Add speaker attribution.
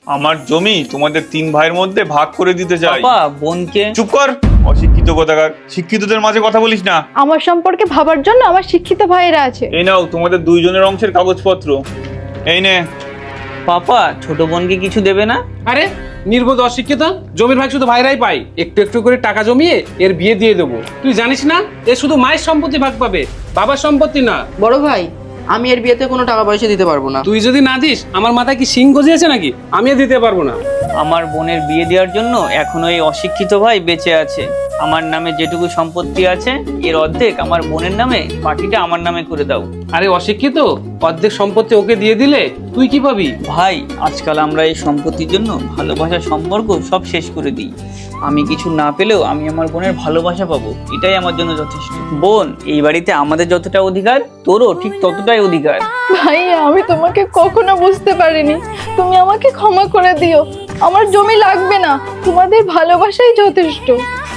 Speaker 1: আমার জমি তোমাদের 3 ভাইয়ের মধ্যে ভাগ করে দিতে চাই।
Speaker 2: পাপা বোনকে।
Speaker 1: চুপ কর, অশিক্ষিত কোথাকার। শিক্ষিতদের মাঝে কথা বলিস না।
Speaker 3: আমার সম্পর্কে ভাবার জন্য আমার শিক্ষিত ভাইয়েরা আছে।
Speaker 1: এই নাও তোমাদের দুইজনের অংশের কাগজপত্র। এই নে।
Speaker 2: পাপা ছোট বোনকে কিছু দেবে না?
Speaker 4: আরে নির্বোধ অশিক্ষিত, জমির ভাগ শুধু ভাইরাই পাই। একটু একটু করে টাকা জমিয়ে এর বিয়ে দিয়ে দেবো। তুই জানিস না এ শুধু মায়ের সম্পত্তি ভাগ পাবে, বাবার সম্পত্তি না।
Speaker 5: বড় ভাই, আমি এর বিয়েতে কোনো টাকা পয়সা দিতে পারবো না।
Speaker 4: তুই যদি না দিস আমার মাথায় কি শিং গজিয়েছে নাকি? আমিও দিতে পারবো না।
Speaker 2: আমার বোনের বিয়ে দেওয়ার জন্য এখনো এই অশিক্ষিত ভাই বেঁচে আছে। আমার নামে যেটুকু সম্পত্তি আছে এর অর্ধেক আমার বোনের নামে, বাকিটা আমার নামে করে দাও।
Speaker 4: আরে অশিক্ষিত, অর্ধেক সম্পত্তি ওকে দিয়ে দিলে তুই কি পাবি?
Speaker 2: ভাই আজকাল আমরা এই সম্পত্তির জন্য ভালোবাসার সম্পর্ক সব শেষ করে দিই। আমি কিছু না পেলেও আমি আমার বোনের ভালোবাসা পাবো, এটাই আমার জন্য যথেষ্ট। বোন, এই বাড়িতে আমাদের যতটা অধিকার তোরও ঠিক ততটাই অধিকার।
Speaker 3: ভাই, আমি তোমাকে কখনো বুঝতে পারিনি। তুমি আমাকে ক্ষমা করে দিও। আমার জমি লাগবে না, তোমাদের ভালোবাসাই যথেষ্ট।